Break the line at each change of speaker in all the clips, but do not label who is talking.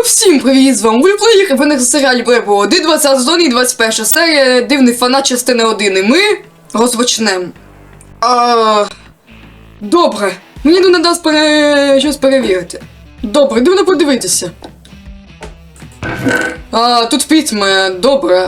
Всім привіт, з вами Вульплеєр, і ви на серіалі Бребо 1, 20 сезон і 21 серія Дивний фанат частини 1, і ми розпочнемо. Добре, мені треба щось перевірити. Добре, дивно подивитися. Тут письма, добре.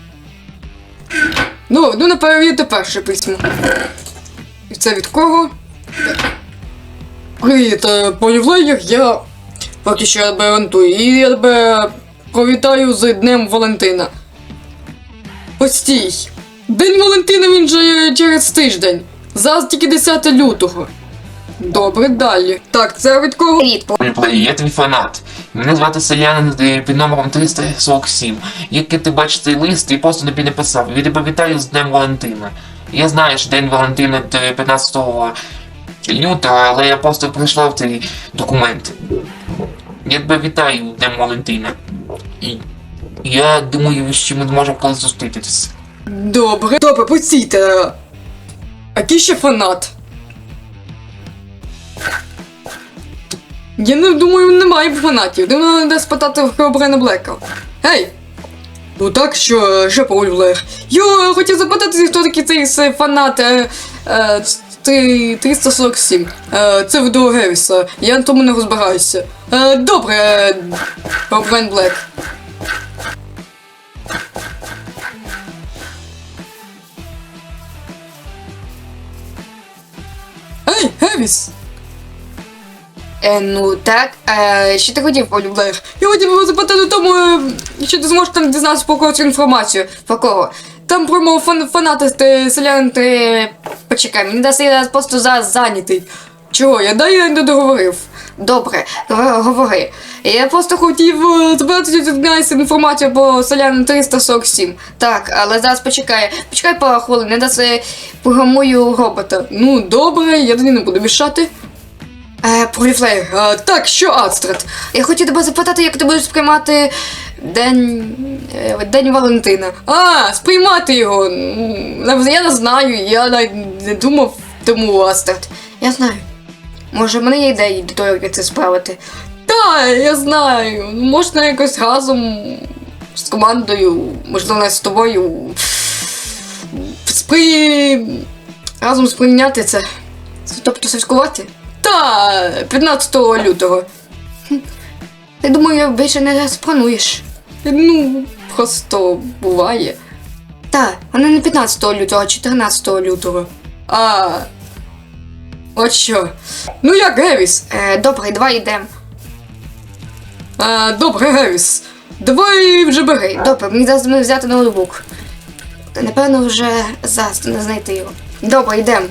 Ну, дивно перевірити перше письмо. І це від кого? Привіт, Вульплеєр, я... Поки що я тебе гарантую. І я тебе привітаю з Днем Валентина. Постій. День Валентина він же через тиждень. Зараз тільки 10 лютого. Добре, далі. Так, це від кого?
Вульплеєр, я твій фанат. Мене звати Селянин під номером 347. Як ти бачиш цей лист, я просто тобі написав. Я тебе вітаю з Днем Валентина. Я знаю, що День Валентина 15 лютого, але я просто прийшов цей документ. Я тебе вітаю Днем Валентина. І я думаю, що ми зможемо колись зустрітися.
Добре, постійте. А який ще фанат? Я не думаю, немає фанатів. Треба спитати в Херобрена Блека. Гей! Ну так, що по Вульплеєр. Я хотів запитати, хто такий цей фанат 347. Це від Гевіса. Я на тому не розбираюся. Добре, Херобрен Блек. Ей, Гевіс! Ну так, що ти хотів, Вульплеєр? Я хотів запитати тому, що ти зможеш там дізнатися про когось інформацію. Про кого? Там про мого фаната Селянин, ти... Почекай, мені дасть я просто зараз зайнятий. Чого? Я не договорив. Добре, говори. Я просто хотів запитати інформацію про Селянин 347. Так, але зараз почекай пару хвилин, не дасть програмую робота. Ну, добре, я тоді не буду мішати. Вульплеєр, так, що Астрид? Я хотів тебе запитати, як ти будеш сприймати День Валентина. Сприймати його. Я не знаю, я не думав тому, Астрид. Я знаю. Може, в мене є ідеї до того, як це справити. Так, я знаю. Можна якось разом з командою, можливо, не з тобою, разом сприйняти це. Тобто святкувати? Та, 15 лютого. Я думаю, більше не сплануєш. Ну, просто буває. Та, вона не 15 лютого, а 14 лютого. От що. Ну як, Гевіс? Добре, давай йдемо. Добре, Гевіс. Давай вже бери. Добре, мені зараз взяти ноутбук. Та, напевно, вже зараз не знайти його. Добре, йдемо.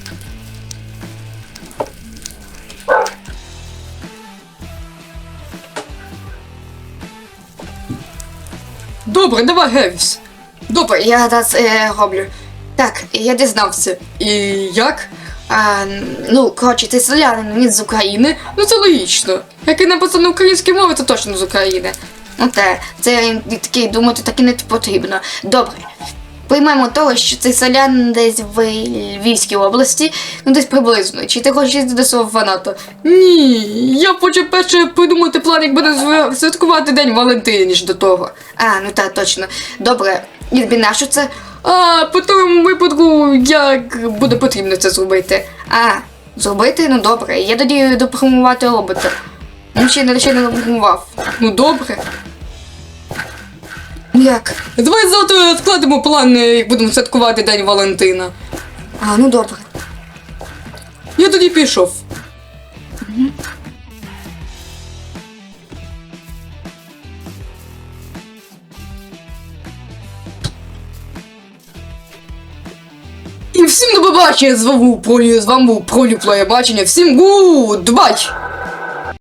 Добре, давай, Гевіс. Добре, я зараз роблю. Так, я дізнався. І як? Ну, коротше, ти селянин, він з України. Ну, це логічно. Як і написано українською мовою, то точно з України. Ну, це такий, думати, так і не потрібно. Добре. Приймемо того, що цей селянин десь в Львівській області, ну десь приблизно. Чи ти хочеш їздити до свого фаната? Ні, я хочу перше придумати план, як буде святкувати День Валентина, ніж до того. Ну так, точно. Добре, і тобі нащо це? По тому випадку, як буде потрібно це зробити. Зробити? Ну добре, я тоді допрограмувати робота. Ну ще не допрограмував. Ну добре. Як? Давай завтра складемо план, як будемо святкувати День Валентина. Ну добре. Я тоді пішов. І всім до побачення, з вами був Вульплеєр бачення. Всім гудбай!